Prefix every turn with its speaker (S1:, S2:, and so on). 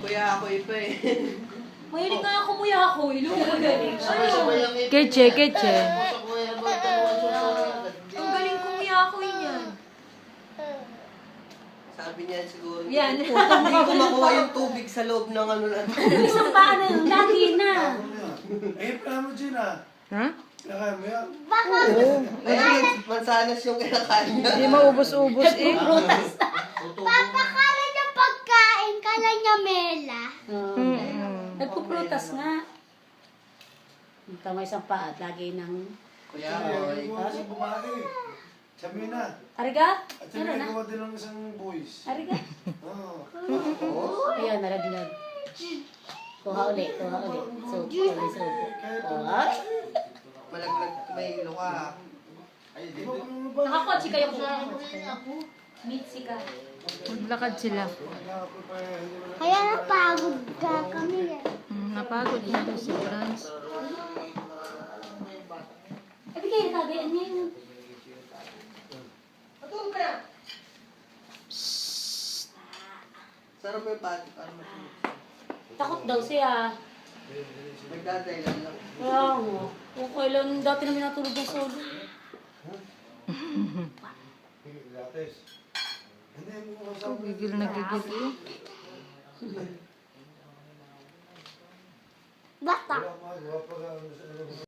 S1: Kuya ako iba eh.
S2: Mahilig nga ako muya ako. Ilong ko galing.
S1: Sabay-sabay ang ipin.
S3: Keche, keche.
S2: Ang galing ko muya ako yan.
S1: Sabi niya siguro.
S2: Yan.
S1: Hindi ko makuha yung tubig sa loob ng ano lang.
S2: Isang paa na yun. Lagi na.
S4: Eh, pala mo, Gina.
S3: Ha?
S4: Kinakain mo yan?
S1: Ayun, mansanas yung kinakain niya.
S3: Hindi maubos-ubos eh.
S5: Papakala niya pagkain, kala niya mela.
S2: Nagpuprutas nga.
S6: Tama isang paa at lagi ng...
S1: Kuya
S4: Ay,
S1: ako.
S4: mo sa bumati. Sabi na.
S2: Ariga?
S4: At sabi na gawa din ng isang boys.
S2: Ariga?
S4: Oo.
S6: Ayan, naraglag. Kuha ulit, kuha ulit. So, ulit, so. Kuha.
S1: Malaglag, may luka.
S2: Nakakotsi kayo po. Mitsi ka.
S3: Maglakad sila.
S5: Kaya napagod ka kami.
S3: Napagod na daw si Franz.
S2: Eh, bigay na kagayaan niya yun.
S1: Sarap yung pati para matulog.
S2: Takot daw siya.
S1: Nagdadailan lang.
S2: Kaya mo. Kung kailan dati namin natulog ng solo.
S3: Gigil na gigil eh.
S5: Basta.